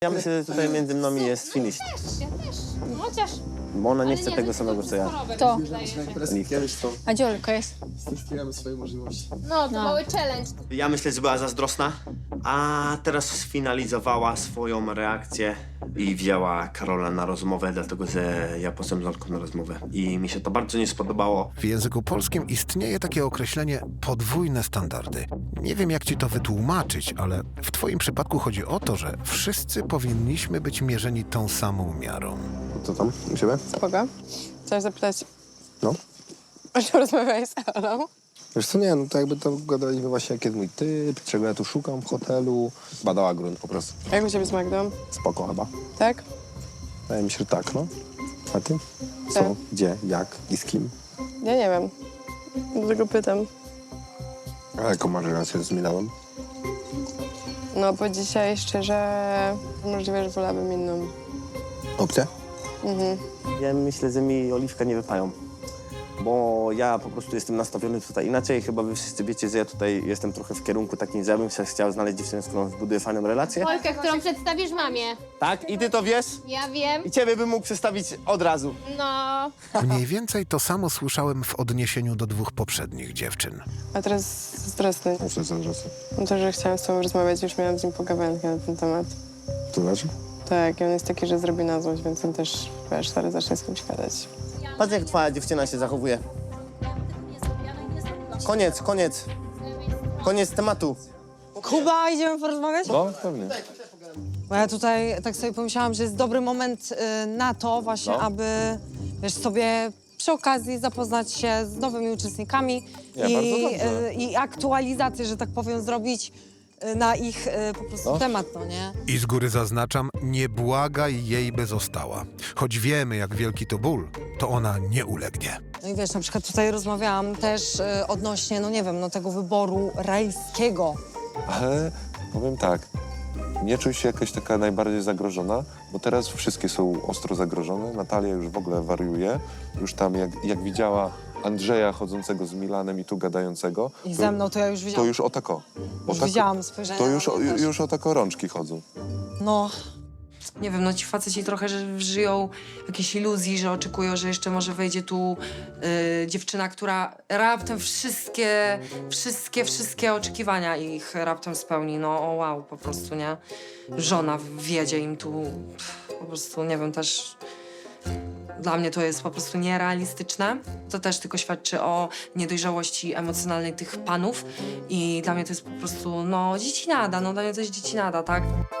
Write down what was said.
Ja myślę, że tutaj między nami jest finish. Ja też. Chociaż... Bo ona nie chce Ale tego samego, co ja. To. Kiedyś to A gdzie Olka jest? stosujemy swoje możliwości. No, to mały challenge. Ja myślę, że była zazdrosna, a teraz sfinalizowała swoją reakcję i wzięła Karola na rozmowę, dlatego że ja poszedłem z Olką na rozmowę. I mi się to bardzo nie spodobało. W języku polskim istnieje takie określenie podwójne standardy. Nie wiem, jak ci to wytłumaczyć, ale w twoim przypadku chodzi o to, że wszyscy powinniśmy być mierzeni tą samą miarą. Co tam u siebie? Spoko. Chciałam zapytać, No. o czym rozmawiałeś z Elą? Wiesz co, nie, no to jakby to gadaliśmy właśnie, jaki jest mój typ, czego ja tu szukam w hotelu. Badała grunt po prostu. Jak u ciebie z Magdą? Spoko chyba. Tak? Wydaje mi się, że tak, no. A ty? Co, Tak. gdzie, jak i z kim? Ja nie wiem. Dlatego pytam. A jaką masz relację z Milanem? No, bo dzisiaj szczerze możliwe, że wolałabym inną. Opcja? Ja myślę, że mi Oliwka nie wypają. Bo ja po prostu jestem nastawiony tutaj inaczej. Chyba wy wszyscy wiecie, że ja tutaj jestem trochę w kierunku takim, że ja bym się chciał znaleźć dziewczynę, z którą zbuduję fajną relację. Olkę, którą przedstawisz mamie. Tak? I ty to wiesz? Ja wiem. I ciebie bym mógł przedstawić od razu. No. Mniej więcej to samo słyszałem w odniesieniu do dwóch poprzednich dziewczyn. A teraz zazdrosny. No co jest adresy? No to, że chciałam z tobą rozmawiać, już miałam z nim pogawędkę na ten temat. To znaczy? Tak, i on jest taki, że zrobi na złość, więc on też, wiesz, zaraz zacznie z kimś gadać. Patrz, jak twoja dziewczyna się zachowuje. Koniec, koniec. Koniec tematu. Kuba, idziemy porozmawiać? No, pewnie. Bo ja tutaj tak sobie pomyślałam, że jest dobry moment na to właśnie, aby, wiesz, sobie przy okazji zapoznać się z nowymi uczestnikami Nie, bardzo dobrze. i aktualizację, że tak powiem, zrobić na ich po prostu temat, no nie? I z góry zaznaczam, nie błagaj jej, by została. Choć wiemy, jak wielki to ból, to ona nie ulegnie. No i wiesz, na przykład tutaj rozmawiałam też odnośnie, no nie wiem, no tego wyboru rajskiego. Ale powiem tak, nie czuj się jakaś taka najbardziej zagrożona, bo teraz wszystkie są ostro zagrożone. Natalia już w ogóle wariuje. Już tam jak widziała Andrzeja chodzącego z Milanem i tu gadającego. I ze mną to ja już To widziałam. już o tako. Już widziałam spojrzenia. To na już, mnie też. już o tako rączki chodzą. No, Nie wiem, no ci faceci trochę że żyją w jakiejś iluzji, że oczekują, że jeszcze może wejdzie tu dziewczyna, która raptem wszystkie oczekiwania ich raptem spełni. No o wow, po prostu, nie? Żona wjedzie im tu, po prostu, nie wiem, też... Dla mnie to jest po prostu nierealistyczne. To też tylko świadczy o niedojrzałości emocjonalnej tych panów. I dla mnie to jest po prostu, no, dziecinada, no dla mnie to jest dziecinada, tak?